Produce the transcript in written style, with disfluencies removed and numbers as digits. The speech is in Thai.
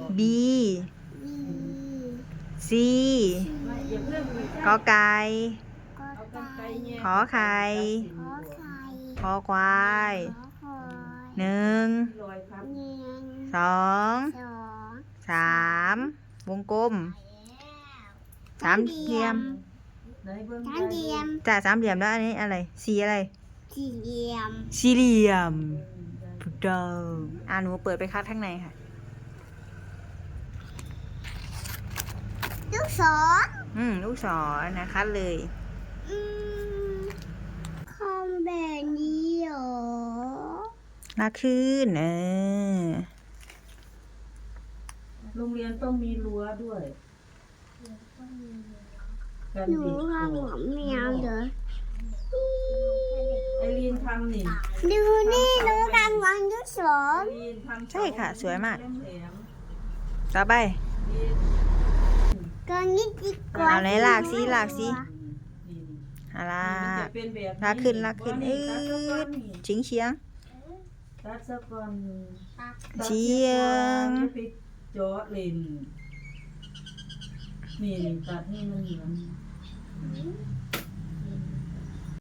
B C กอไก่ขอไข่คอควาย1 2 3วงกลมสามเหลี่ยมจ้ะสามเหลี่ยมแล้วอันนี้อะไรสีอะไรสี่เหลี่ยมถูกต้องหนูเปิดไปคัดข้างในค่ะลูกศรลูกศรนะคัดเลยคอมแบบนี้เหรอลากขึ้นโรงเรียนต้องมีรั้วด้วยหนูทำกับแมวเหรอไอรีนทำนี่ดูนี่หนูทำกับลูกศรใช่ค่ะสวยมากต่อไปก็นิดดีกว่าเอาไหนลากสิลากขึ้นเฉียงตัดซะก่อนเฉียงไปเจาะเลนนี่ตัดให้มันเหมือน